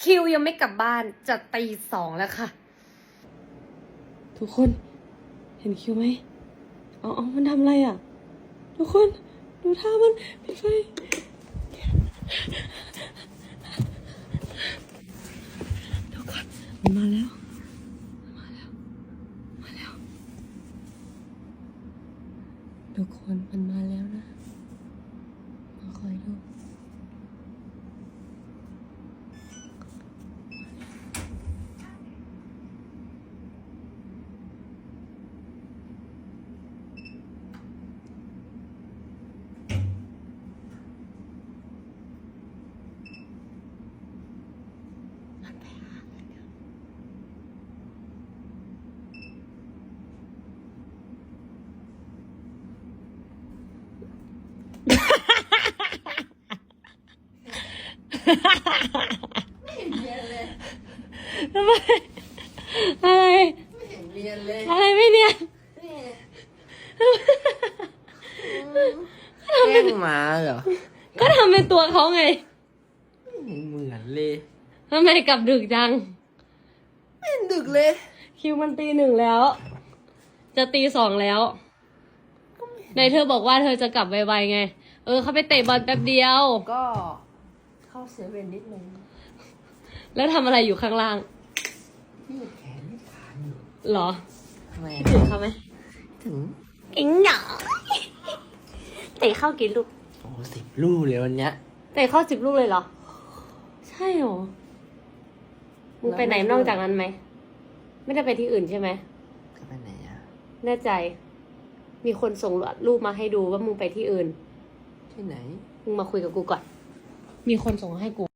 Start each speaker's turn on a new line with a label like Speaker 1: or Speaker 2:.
Speaker 1: คิวยังไม่กลับบ้านจะตี 2แล้วค่ะ
Speaker 2: ทุกคนเห็นคิวไหมเอามันทำอะไรอ่ะทุกคนดูท่ามันปิดไฟทุกคนมันมาแล้วทุกคนมันมาแล้วนะมาคอยดู
Speaker 3: ไม่เห็นเรียนเลย
Speaker 2: ทำไมอะไร
Speaker 3: ไม่เห็นเรียนเลย
Speaker 2: อะไรไม่เนี่ย
Speaker 3: แกล้งหมาเหรอ
Speaker 2: ก็ทำเป็นตัวเขาไง
Speaker 3: ไม่เห็นเหมือนเลย
Speaker 2: ทำไมกลับดึกจัง
Speaker 3: ไม่เห็นดึกเลย
Speaker 2: คิวมันตี 1แล้ว จะตี 2แล้วในเธอบอกว่าเธอจะกลับไวๆไงเขาไปเตะบอลแป๊บเดียว
Speaker 3: ก็เข้าเซเว่นนิดนึง
Speaker 2: แล้วทำอะไรอยู่ข้างล่าง
Speaker 3: ยืดแขนยืดขาอยู่
Speaker 2: เหรอ
Speaker 3: ทำไม
Speaker 2: ถึงเขาไหม
Speaker 3: ถึง
Speaker 2: อิงหนอเตะเข้ากี่ลูก
Speaker 3: โอ้10 ลูกเลยวันเนี้ย
Speaker 2: เตะเข้า10 ลูกเลยเหรอ ใช่เหรอมึงไปไหนนอกจากนั้นไหมไม่ได้ไปที่อื่นใช่ไหม
Speaker 3: จะไปไหนอ่ะ
Speaker 2: แน่ใจ มีคนส่งรูปมาให้ดูว่ามึงไปที่อื่น
Speaker 3: ที่ไหน
Speaker 2: มึงมาคุยกับกูก่อน มีคนส่งให้กู